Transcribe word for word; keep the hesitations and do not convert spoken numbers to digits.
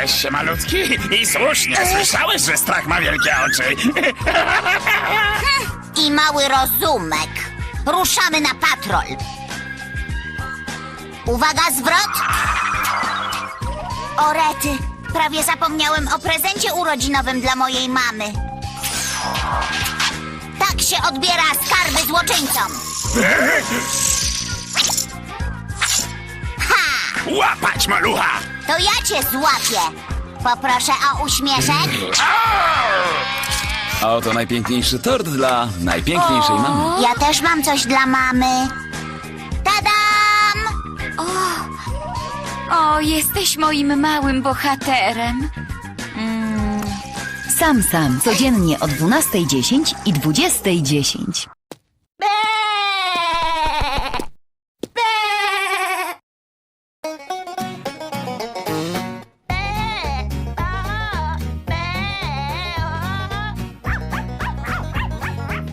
Urodziłeś się malutki i słusznie słyszałeś, że strach ma wielkie oczy. I mały rozumek. Ruszamy na patrol. Uwaga, zwrot! O rety, prawie zapomniałem o prezencie urodzinowym dla mojej mamy. Tak się odbiera skarby złoczyńcom. Ha! Łapać, malucha! To ja cię złapię. Poproszę o uśmieszek. A oto najpiękniejszy tort dla najpiękniejszej mamy. Ja też mam coś dla mamy. Tadam! O, jesteś moim małym bohaterem. Sam Sam, codziennie o dwunastej dziesięć i dwudziestej dziesięć.